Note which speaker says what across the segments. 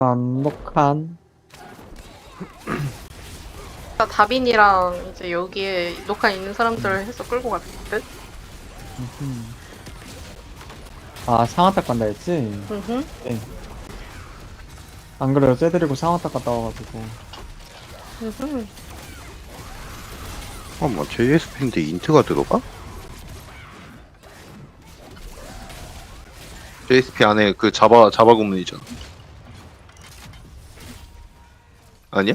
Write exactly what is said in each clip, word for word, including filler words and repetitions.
Speaker 1: 완벽한.
Speaker 2: 나 다빈이랑 이제 여기에 녹화 있는 사람들 해서 끌고 갈 듯?
Speaker 1: 음흠. 아, 상아딱 간다 했지?
Speaker 2: 응흠.
Speaker 1: 네. 안 그래요, 쟤데리고 상아딱 갔다 와가지고.
Speaker 2: 응흠.
Speaker 3: 잠깐만, 제이에스피인데 인트가 들어가? 제이에스피 안에 그 자바, 자바 구문이잖아. 아니야?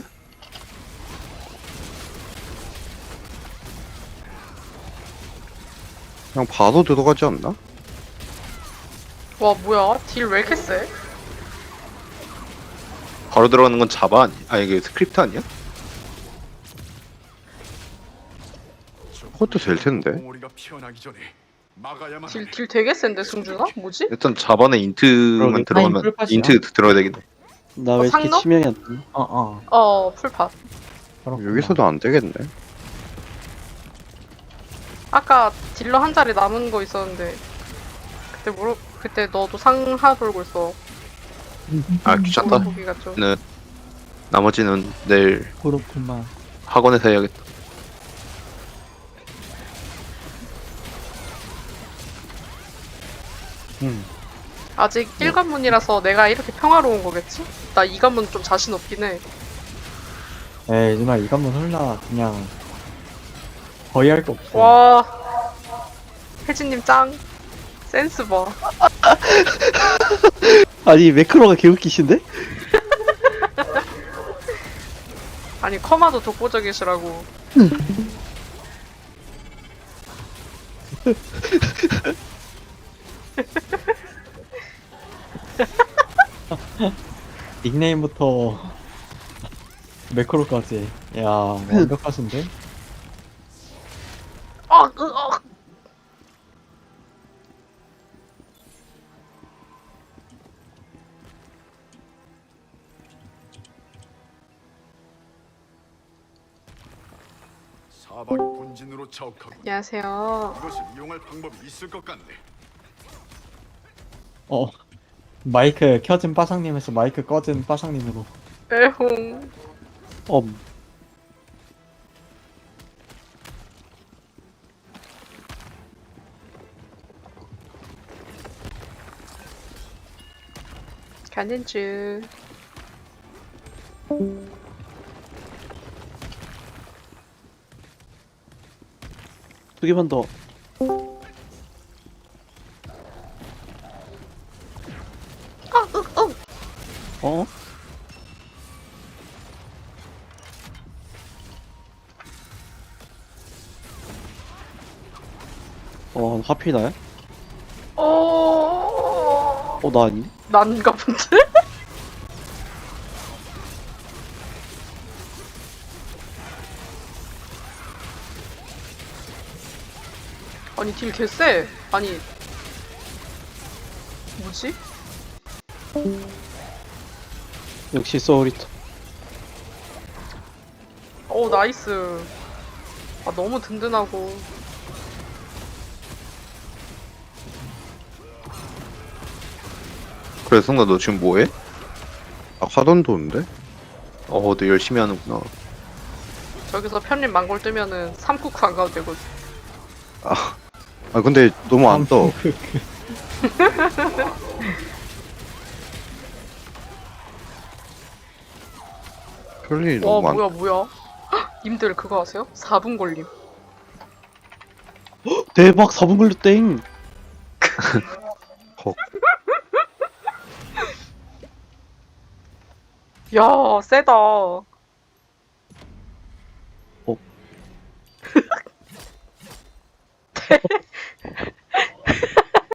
Speaker 3: 그냥 봐도 들어가지 않나?
Speaker 2: 와 뭐야? 딜 왜 이렇게 세?
Speaker 3: 바로 들어가는 건 자바 아니야? 아니, 이게 스크립트 아니야? 그것도 될 텐데.
Speaker 4: 우리가 피어나기 전에 막아야만
Speaker 2: 딜,
Speaker 4: 하네.
Speaker 2: 딜 되게 센데 승준아? 뭐지?
Speaker 3: 일단 자바는 인트만
Speaker 1: 그러게,
Speaker 3: 들어가면,
Speaker 1: 타임 풀팟이야?
Speaker 3: 인트 들어야 되겠네.
Speaker 5: 나
Speaker 2: 어,
Speaker 5: 왜 이렇게
Speaker 2: 상놈?
Speaker 5: 치명이 안 뜨니?
Speaker 1: 어, 어.
Speaker 2: 어 풀팟.
Speaker 1: 그렇구나.
Speaker 3: 여기서도 안 되겠네.
Speaker 2: 아까 딜러 한 자리 남은 거 있었는데 그때 모르 그때 너도 상하 돌고 있어.
Speaker 3: 아, 귀찮다.
Speaker 2: 보기가 좀.
Speaker 3: 네. 나머지는 내일
Speaker 1: 그렇구만.
Speaker 3: 학원에서 해야겠다.
Speaker 1: 음.
Speaker 2: 아직 일 관문이라서 내가 이렇게 평화로운 거겠지? 나 이 관문 좀 자신 없긴 해.
Speaker 1: 에이, 누나 이 관문 홀라 그냥 거의 할 거 없어.
Speaker 2: 와 혜진님 짱. 센스 봐.
Speaker 5: 아니 매크로가 개웃기신데?
Speaker 2: 아니 커마도 독보적이시라고.
Speaker 1: 닉네임부터 매크로까지. 야, 완벽하신데?
Speaker 2: 어, 으, 어.
Speaker 4: 사방이 본진으로 자욱하고
Speaker 2: 안녕하세요.
Speaker 4: 이것을 이용할 방법이 있을 것 같네.
Speaker 1: 어. 마이크 켜진 빠상님에서 마이크 꺼진 빠상님으로.
Speaker 2: 에홍.
Speaker 5: 엄
Speaker 2: 가는 중.
Speaker 5: 두 개만 더. 어? 어 하필 나야?
Speaker 2: 어.
Speaker 5: 어 나 아니?
Speaker 2: 난가 본데? 아니 딜 개쎄. 아니 뭐지?
Speaker 5: 역시 소울리터.
Speaker 2: 오 나이스. 아 너무 든든하고.
Speaker 3: 그래, 성나 너 지금 뭐해? 아, 화돈 도는데? 어, 너 열심히 하는구나.
Speaker 2: 저기서 편립 망골 뜨면은 삼쿠쿠 안 가도 되거든.
Speaker 3: 아, 아 근데 너무 안 떠. 편리
Speaker 2: 와
Speaker 3: 너무 안
Speaker 2: 뭐야 뭐야. 헉, 님들 그거 아세요? 사 분 걸림.
Speaker 5: 대박 사 분 걸렸땡.
Speaker 3: 헉.
Speaker 2: 야 세다.